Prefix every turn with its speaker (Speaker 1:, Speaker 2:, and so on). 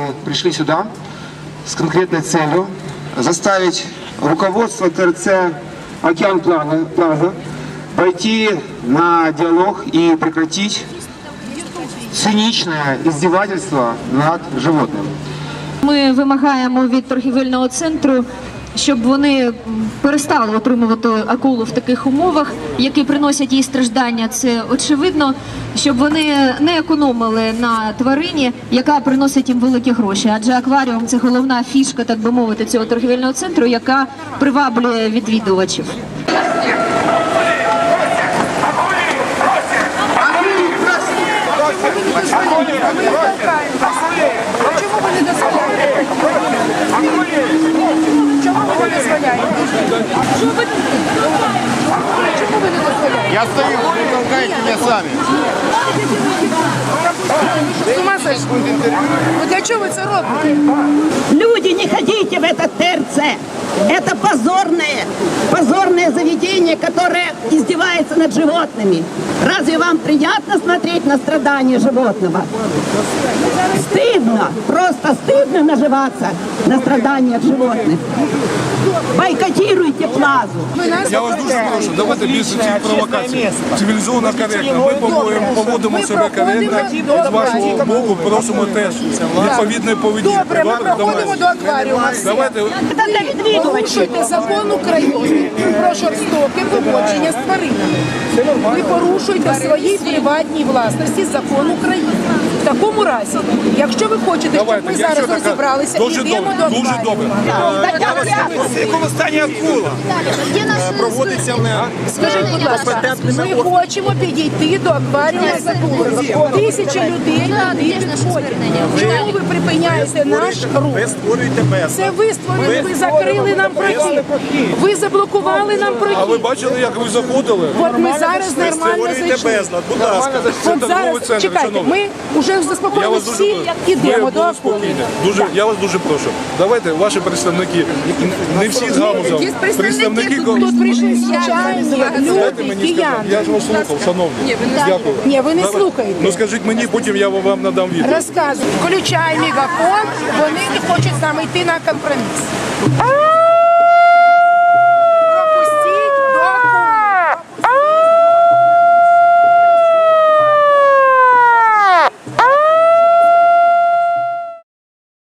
Speaker 1: пришли сюда с конкретной целью заставить руководство ТРЦ «Океан Плаза» пойти на диалог и прекратить циничное издевательство над животным.
Speaker 2: Ми вимагаємо від торгівельного центру, щоб вони перестали отримувати акулу в таких умовах, які приносять їй страждання. Це очевидно, щоб вони не економили на тварині, яка приносить їм великі гроші. Адже акваріум – це головна фішка, так би мовити, цього торгівельного центру, яка приваблює відвідувачів.
Speaker 3: Чому ви не дозволяєте? Чому ви не дозволяєте? Чому ви не дозволяєте?
Speaker 4: Я стою, вы толкаете меня сами.
Speaker 3: З ума сошли? Ну для чого ви це робите?
Speaker 5: Люди, не ходите в этот ТРЦ. Это позорное заведение, которое издевается над животными. Разве вам приятно смотреть на страдания животного? Стыдно, просто стыдно наживаться на страданиях животных. Бойкотируйте Плазу.
Speaker 6: Я вас дуже прошу, давайте більше цих провокацій. Цивілізовано, коректно. Ми поводимо себе коректно. З вашого боку просимо теж відповідної поведінки.
Speaker 3: Добре, ми проходимо до акваріума.
Speaker 6: Давайте.
Speaker 3: Порушуйте закон України про жорстоке поводження з тваринами. Ви порушуєте в своїй приватній власності закон України. В такому разі, якщо ви хочете, щоб ми зараз розібралися, йдемо до акваріуму.
Speaker 6: Дуже добре.
Speaker 4: В якому стані акула? Проводиться
Speaker 3: Скажіть, будь ласка, ми хочемо підійти до акваріуму з акулами. Тисячі людей туди підходять. Чому ви припиняєте наш рух?
Speaker 4: Ви створюєте безлад.
Speaker 3: Це ви створили, ви закрили нам прохід. Ви заблокували нам
Speaker 6: А ви
Speaker 3: прохід.
Speaker 6: бачили, як ви заходили?
Speaker 3: От ми зараз
Speaker 4: Ви
Speaker 3: нормально
Speaker 4: створюєте
Speaker 3: зайшли.
Speaker 4: безлад, будь ласка.
Speaker 6: Це
Speaker 3: От
Speaker 6: торговий
Speaker 3: зараз,
Speaker 6: центр,
Speaker 3: чекайте,
Speaker 6: шановні.
Speaker 3: ми вже
Speaker 6: Я
Speaker 3: заспокоїли
Speaker 6: вас дуже
Speaker 3: всі, ідемо до акули.
Speaker 6: Я вас дуже прошу. Давайте ваші представники, не всі з галузом, представники
Speaker 3: Тут прийшли звичайні
Speaker 6: Дайте
Speaker 3: люди,
Speaker 6: мені сказати.
Speaker 3: кияни.
Speaker 6: Я ж вас слухав, шановні. Дякую.
Speaker 3: Ні, ви не
Speaker 6: Давай.
Speaker 3: слухаєте.
Speaker 6: Ну скажіть мені, потім я вам надам відповідь.
Speaker 3: Розказуй. Включай мегафон, вони не хочуть з нами йти на компроміс.